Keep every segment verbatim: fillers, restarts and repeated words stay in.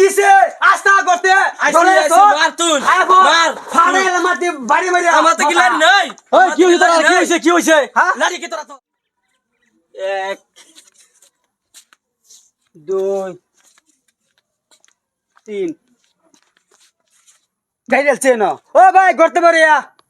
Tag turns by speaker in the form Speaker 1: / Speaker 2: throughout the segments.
Speaker 1: কিসে আস্তা করতে
Speaker 2: ধরে এসো মার তুই মার
Speaker 1: ফাড়ে মাটি বাড়ি বাড়ি
Speaker 2: আমার তো কি লাড়ি নাই
Speaker 1: ওই কি হইছে তোরা কি হইছে কি হইছে হ্যাঁ
Speaker 2: লাড়ি কি তোরা তো
Speaker 1: এক দুই তিন গাইলছে না ও ভাই করতে পারিয়া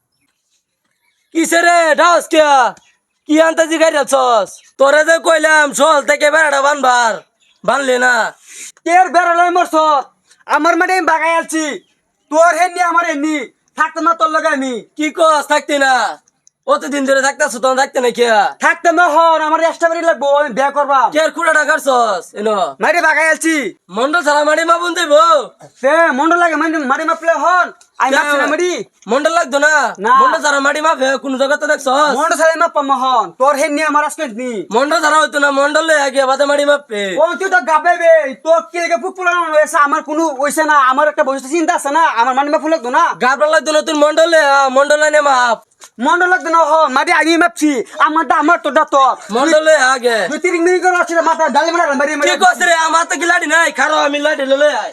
Speaker 2: কিসে রে ডাউস কে কি আনতাজি গাইরাছস তোরে যে কইলাম সল থেকে বেড়াটা বানবার বানলে না
Speaker 1: তের বেড়ালাই মরছ আমার মানে আমি বাগাই আলছি তোর হেননি আমার হেননি থাকতে না তোর লগে আমি
Speaker 2: কি কস থাকতি না অতদিন ধরে থাকতাছ তখন থাকতে না কে
Speaker 1: থাকতে না হন আমার এক্সট্রা বাড়ি লাগবো আমি বিয়া করবা
Speaker 2: কে কুড়াটা কাটছস এনো
Speaker 1: মারি বাগাই আলছি
Speaker 2: মন্ডল ছাড়া মারি মা বুন দেব
Speaker 1: সে মন্ডল লাগে মানে মারি মাপলে হন আমি মাপছি না মারি
Speaker 2: মন্ডল লাগতো না
Speaker 1: না।
Speaker 2: মন্ডল ছাড়া মারি মাপে কোন জায়গাতে দেখছস
Speaker 1: মন্ডল সালে মাপ পাম হন তোর হেননি আমার আজকে নি
Speaker 2: মন্ডল ছাড়া হইতো না মন্ডল লই আগে বাদে মারি মাপে
Speaker 1: ও তুই তো গাবেবে তো কি লাগে ফুক ফুলানো হইছে আমার কোনো হইছে না আমার একটা বসে চিন্তা আছে না আমার মানে মাপ ফুলাক না
Speaker 2: গাবরা লাগতো না তুই মন্ডলে মন্ডল নে মাপ
Speaker 1: মন্ডল লাগতো না হন মারি আমি মাপছি আমারটা আমার তোরটা তোর
Speaker 2: মন্ডলে আগে
Speaker 1: দুই তিন মিনিট করে আছে মাথা ডালে মারা মারি
Speaker 2: কি
Speaker 1: মারি
Speaker 2: কস রে আমার তো কি লাড়ি নাই খারো আমি লাড়ি ললে আয়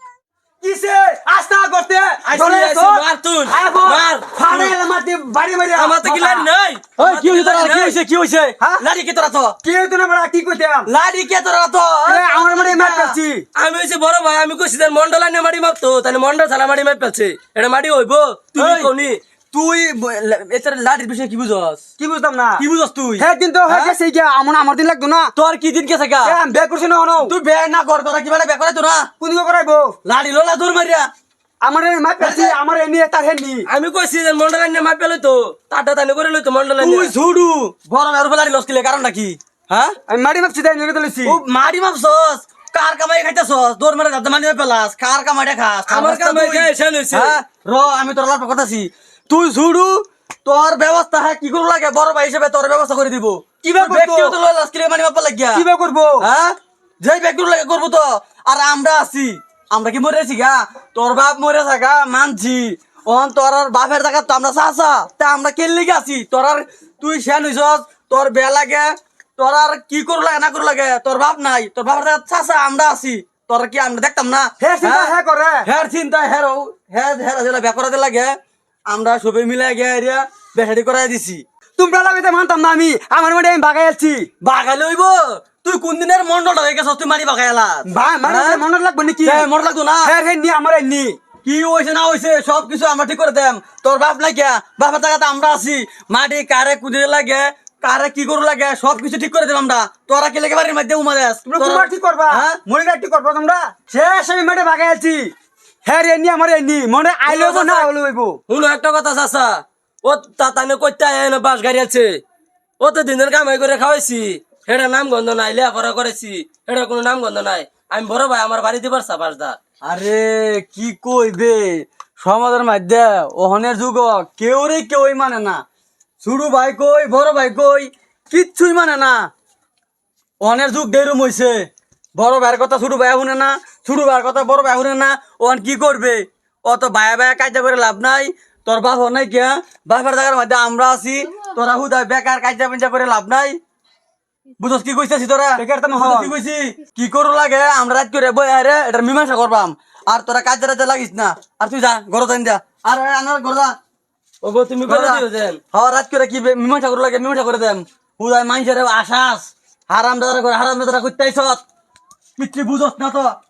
Speaker 1: কিসে আস্তা করতে
Speaker 2: আইসি,
Speaker 1: ধরে
Speaker 2: আইসি,
Speaker 1: এসো
Speaker 2: মার তুই,
Speaker 1: আইবো
Speaker 2: মার।
Speaker 1: ফাড়ে মাটি বাড়ি বাড়ি
Speaker 2: আমার তো কি লাড়ি নাই
Speaker 1: ওই কি হইছে তোরা কি হইছে কি হইছে হ্যাঁ
Speaker 2: লাড়ি কি তোরা তো
Speaker 1: কি হইতো না বড় কি কইতাম
Speaker 2: লাড়ি কে তোরা তো
Speaker 1: এ আমার মানে মার পাচ্ছি
Speaker 2: আমি হইছে বড় ভাই আমি কইছি যে মন্ডল আনে মারি মাপতো তাহলে মন্ডল ছাড়া মারি মাপ পাচ্ছে এটা মারি হইবো তুই
Speaker 1: ওই।
Speaker 2: কোনি তুই এটার লাড়ির বিষয়ে কি বুঝস
Speaker 1: কি বুঝতাম না
Speaker 2: কি বুঝস তুই
Speaker 1: হ্যাঁ কিন্তু হয়ে গেছে কি আমার আমার দিন লাগতো না
Speaker 2: তোর কি দিন কে থাকা
Speaker 1: এ আমি বের করছি না হনো
Speaker 2: তুই বে না কর তোরা কি বেলা বে করে তোরা
Speaker 1: কোন দিকে করাইবো
Speaker 2: লাড়ি লোলা দূর মারিয়া
Speaker 1: আমার মার পাচ্ছি আমার এনি তার হেনি
Speaker 2: আমি কইছি যে মন্ডল আনে মাপ পেলে তো টাটা তানে করে লই তো মন্ডল আনে
Speaker 1: তুই ঝুড়ু
Speaker 2: বড় আর লাড়ি লসকিলে কারণটা কি হ্যাঁ
Speaker 1: আমি মারি মাপছি তাই নিয়ে তুলেছি
Speaker 2: ও মারি মাপছস কার কামাই খাইতাছস দৌড় মারে দাদা মানি পেলাস কার কামাইটা খাস আমার কামাই খাই শেন হইছে
Speaker 1: হ্যাঁ
Speaker 2: র আমি তোর লাভ কথাছি তুই ঝুড়ু তোর ব্যবস্থা হ্যাঁ কি করে লাগে বড় ভাই হিসেবে তোর ব্যবস্থা করে দিব
Speaker 1: কিভাবে করবো?
Speaker 2: ব্যক্তিগত লয় আজকে মানি মাপা লাগিয়া
Speaker 1: কি বে করবো
Speaker 2: হ্যাঁ যেই ব্যক্তিগত লাগে করবো তো আর আমরা আছি আমরা কি মরে আছি গা তোর বাপ মরে থাকা মানছি অন তোর আর বাপের জায়গা তো আমরা চাচা তা আমরা কেলে আছি তোর আর তুই শেন হইছস তোর বেয়া লাগে তোর আর কি করু লাগে না করু লাগে তোর বাপ নাই তোর বাপের জায়গা চাচা আমরা আছি তোর কি আমরা দেখতাম না
Speaker 1: হে চিন্তা হে করে
Speaker 2: হ্যাঁ চিন্তা হ্যাঁ হ্যাঁ হ্যাঁ যেটা বেকরাতে লাগে আমরা সবাই মিলে গিয়ে এরিয়া বেহারি করাই দিছি
Speaker 1: তোমরা লাগাইতে মানতাম না আমি আমার মানে আমি বাগাই আছি
Speaker 2: বাগালে হইব তুই কোন দিনের মন্ডলটা হয়ে গেছস তুই মারি বাগাইলা
Speaker 1: ভাই মানে মনে লাগবে নাকি
Speaker 2: মন লাগতো না
Speaker 1: হ্যাঁ হ্যাঁ নি আমার এনি
Speaker 2: কি হয়েছে না হয়েছে সব কিছু আমরা ঠিক করে দেম তোর বাপ নাই কিয়া বাপের জায়গাতে আমরা আছি মাটি কারে কুদিরে লাগে কারে কি করু লাগে সব কিছু ঠিক করে দেব আমরা তোরা কি লেগে বাড়ির মধ্যে উমা দেস
Speaker 1: তোমরা কুমার ঠিক করবা
Speaker 2: হ্যাঁ?
Speaker 1: মনে ঠিক করবা তোমরা শেষ আমি মাঠে বাগাই আছি হ্যাঁ রে নি আমার এনি মনে আইলো না হলো হইব
Speaker 2: শুনো একটা কথা চাচা ও তাতানে কইতে আয় না বাস গাড়ি আছে ও তো দিনের কামাই করে খাওয়াইছি এটা নাম গন্ধ নাই লেখাপড়া করেছি এটা কোনো নাম গন্ধ নাই আমি বড় ভাই আমার বাড়িতে পারছা বাসদা
Speaker 1: আরে কি কইবে সমাজের মধ্যে ওহনের যুগ কেউ রে কেউই মানে না ছোট ভাই কই বড় ভাই কই কিচ্ছুই মানে না ওহনের যুগ দেরুম হইছে বড় ভাইয়ের কথা ছোট ভাই শুনে না ছোট ভাইয়ের কথা বড় ভাই শুনে না ওহন কি করবে অত ভাইয়া ভাইয়া কাজা করে লাভ নাই তোর বাপ নাই কিয়া বাপের জায়গার মধ্যে আমরা আছি তোরা হুদা বেকার কাজা পেঞ্জা করে লাভ নাই বুঝছ কি কইছিস তোরা বেকার তো
Speaker 2: বুঝছ কি কইছি কি করু লাগে আমরা রাত করে বই আরে এটা মীমাংসা করবাম আর তোরা কাজ রাতে লাগিস না আর তুই যা ঘর যাই যা আর আনার ঘর যা ওগো তুমি করে দিও দেন হ্যাঁ রাত করে কি মীমাংসা করু লাগে মীমাংসা করে দেম হুদায় মাইনছেরে আশাস হারাম দাদা করে হারাম দাদা কইতাইছ পিতৃ বুঝছ না তো